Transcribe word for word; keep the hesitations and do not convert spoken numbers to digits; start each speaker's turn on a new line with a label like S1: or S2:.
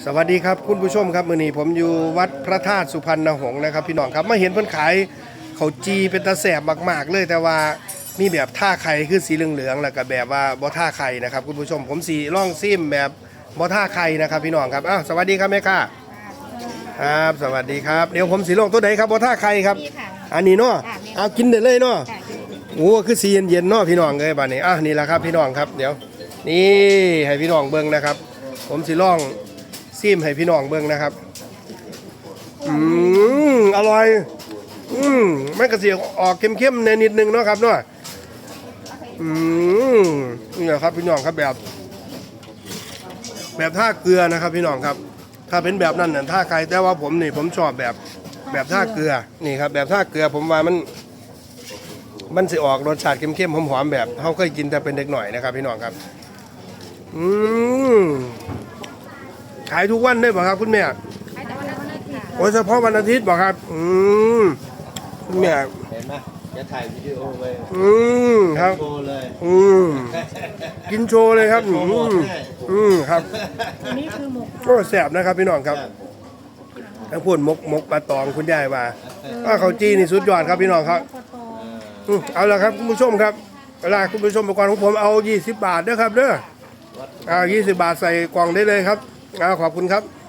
S1: สวัสดีครับคุณผู้ชมครับมื้อนี้ผมอยู่วัดพระธาตุสุพรรณหงส์นะครับพี่น้องครับมาเห็นเพิ่นขายข้าวจีเป็นตาแสบมากๆเลยแต่ว่ามีแบบท่าไข่คือสีเหลืองๆแล้วก็แบบว่าบ่ท่าไข่นะครับคุณผู้ชมผมสีล่องซิมแบบบ่ท่าไข่นะครับพี่น้องครับอ้าวสวัสดีครับแม่ค้าครับสวัสดีครับเดี๋ยวผมสีล่องตัวไหนครับบ่ท่าไข่ครับอันนี้เนาะเอากินได้เลยเนาะโอ้คือสีเย็นๆเนาะพี่น้องเอ้ยบัดนี้อ่ะนี่แหละครับพี่น้องครับเดี๋ยวนี่ให้พี่น้องเบิ่งนะครับผมสีล่องซิมให้พี่น้องเบิ่งนะครับอืมอร่อยอืมมันก็สิออกเข้มๆในนิดนึงเนาะครับเนาะอืมนี่แหละครับพี่น้องครับแบบแบบท่าเกลือนะครับพี่น้องครับถ้าเป็นแบบนั้นน่ะท่าไก่แต่ว่าผมนี่ผมชอบแบบแบบท่าเกลือนี่ครับแบบท่าเกลือผมว่ามันมันสิออกรสชาติเข้มๆหอมๆแบบเขาเคยกินแต่เป็นเด็กหน่อยนะครับพี่น้องครับอืมขายทุกวันได้ป่ะครับคุณแม่
S2: ขายแต่วันอาทิตย์ค่ะ
S1: โอ้เฉพาะวันอาทิตย์ป่ะครับอืมคุณแม่
S3: เห็นไหมจะถ่ายวิดีโอไว้
S1: อืมครับ
S3: โชว์เลย
S1: อืมกินโชว์เลยครับอืมอืมครับ
S2: อันนี้คือหมก
S1: ก็แสบนะครับพี่น้องครับทั้งพูดมกมกปลาตองคุณยายว่าว่าเขาจีนี่สุดยอดครับพี่น้องครับเอาละครับคุณผู้ชมครับเวลาคุณผู้ชมประกอบของผมเอายี่สิบบาทเด้อครับเด้อเอายี่สิบบาทใส่กล่องได้เลยครับเอาขอบคุณครับ